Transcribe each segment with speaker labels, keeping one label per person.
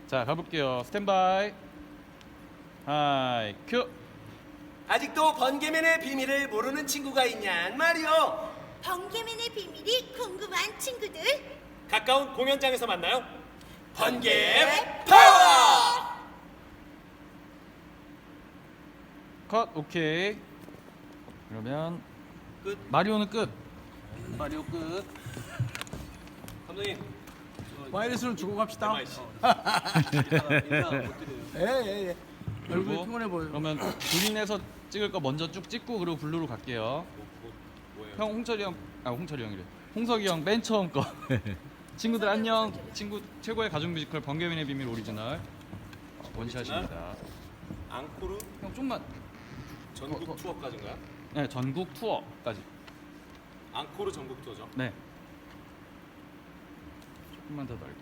Speaker 1: 자, 가볼게요. 스탠바이. 하이, 큐.
Speaker 2: 아직도 번개맨의 비밀을 모르는 친구가 있냔 말이오.
Speaker 3: 번개맨의 비밀이 궁금한 친구들.
Speaker 2: 가까운 공연장에서 만나요. 번개 파워!
Speaker 1: 컷. 오케이. 그러면
Speaker 2: 끝.
Speaker 1: 마리오는 끝. 마리오 끝.
Speaker 2: 감독님.
Speaker 4: 와이러스는 주고 갑시다.
Speaker 2: MIC.
Speaker 4: 예예예. 얼굴이
Speaker 1: 그리고
Speaker 4: 피곤해 보여.
Speaker 1: 그러면 그린에서 찍을 거 먼저 쭉 찍고 그리고 블루로 갈게요.
Speaker 2: 뭐예요?
Speaker 1: 형 홍철이 형, 아 홍철이 형이래. 홍석이 형 맨 처음 거. 친구들 안녕. 친구 최고의 가족 뮤지컬 번개맨의 비밀 오리지널 원샷입니다.
Speaker 2: 앙코르
Speaker 1: 형 좀만.
Speaker 2: 전국 투어까지인가요?
Speaker 1: 네, 전국 투어까지.
Speaker 2: 앙코르 전국 투어죠.
Speaker 1: 네. 조금만 더 넓게.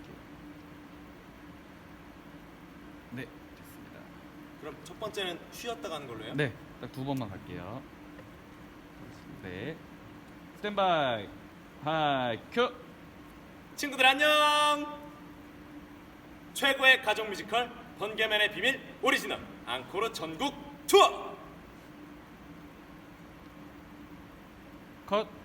Speaker 1: 네, 됐습니다.
Speaker 2: 그럼 첫 번째는 쉬었다 가는 걸로 해요?
Speaker 1: 네, 딱 두 번만 갈게요. 네. 스탠바이. 하이, 큐.
Speaker 2: 친구들 안녕. 최고의 가족 뮤지컬 번개맨의 비밀 오리지널 앙코르 전국 투어.
Speaker 1: 컷.